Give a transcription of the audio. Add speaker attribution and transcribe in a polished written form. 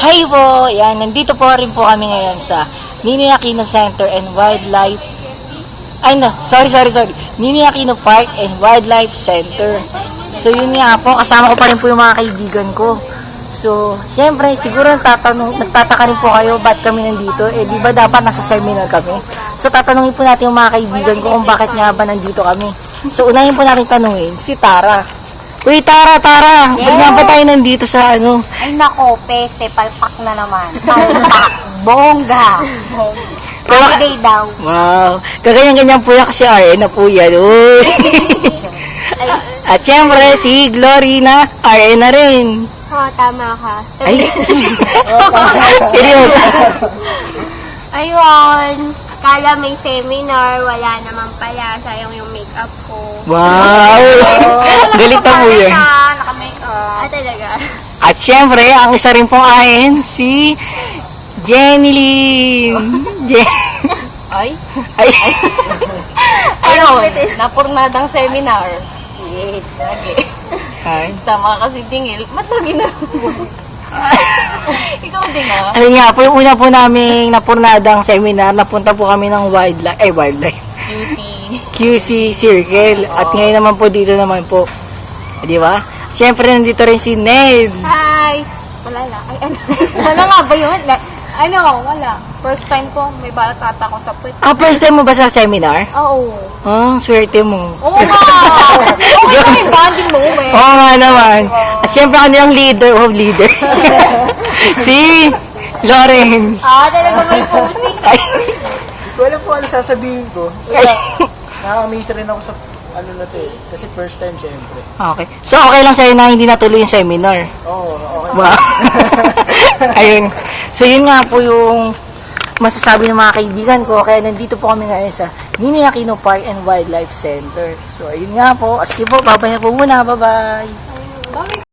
Speaker 1: Hi po! Yan, nandito po rin po kami ngayon sa Ninoy Aquino Center and Wildlife. Ay no, sorry. Ninoy Aquino Park and Wildlife Center. So yun nga po, kasama ko pa rin po yung mga kaibigan ko. So, syempre, siguro nagtataka rin po kayo ba't kami nandito. Eh, di ba dapat nasa seminar kami? So, tatanungin po natin yung mga kaibigan ko kung bakit nga ba nandito kami. So, unahin po natin tanungin si Tara. Uy, Tara!
Speaker 2: Yes.
Speaker 1: Ba't nga ba tayo nandito sa ano?
Speaker 2: Ay nako, peste, palpak na naman. Palpak, bongga. Holiday daw.
Speaker 1: Wow! Kaganyan-ganyan po yan kasi RN na po yan. Uy! At syempre, si Glorina, RN na rin.
Speaker 2: Oo, tama ka.
Speaker 1: Ay! Seryoso!
Speaker 2: Ayun, kala may seminar, wala naman pala. Sayang yung makeup ko.
Speaker 1: Wow! Galit na po yan.
Speaker 2: Naka-makeup. Ah, talaga?
Speaker 1: At syempre, ang isa rin pong ahin, si Jenny Lynn.
Speaker 3: Ay?
Speaker 1: Ay!
Speaker 3: Ayun, napurnadang seminar. Yes, lagi.
Speaker 1: Ay.
Speaker 3: Sama kasi tingil. Matagi na. Ikaw din ah.
Speaker 1: Ayun nga po, yung una po naming napurnadang seminar, napunta po kami ng wildlife. QC Circle. At ngayon naman po dito naman po. Di ba? Siyempre nandito rin si Ned.
Speaker 2: Hi! Wala lang. Ay, ano?
Speaker 3: Ano nga ba yun? Wala. First time ko, may balat ata ko sa puwet.
Speaker 1: First time mo ba sa seminar?
Speaker 3: Oo.
Speaker 1: Swerte mo.
Speaker 3: Oo nga! Okay na yung bonding moment.
Speaker 1: Oo nga naman. At siyempre kanilang leader. Si Lawrence.
Speaker 3: Talaga may posing.
Speaker 1: Ay.
Speaker 4: Hindi ko alam po ano sasabihin ko. Nakaka-amaze rin ako sa ano na to eh. Kasi first time syempre.
Speaker 1: Okay. So, okay lang sa'yo na hindi natuloy yung seminar.
Speaker 4: Oo, okay.
Speaker 1: Wow. Ayun. So, yun nga po yung masasabi ng mga kaibigan ko. Kaya nandito po kami ngayon sa Ninoy Aquino Park and Wildlife Center. So, ayun nga po. Sige po, babaya po muna. Bye-bye.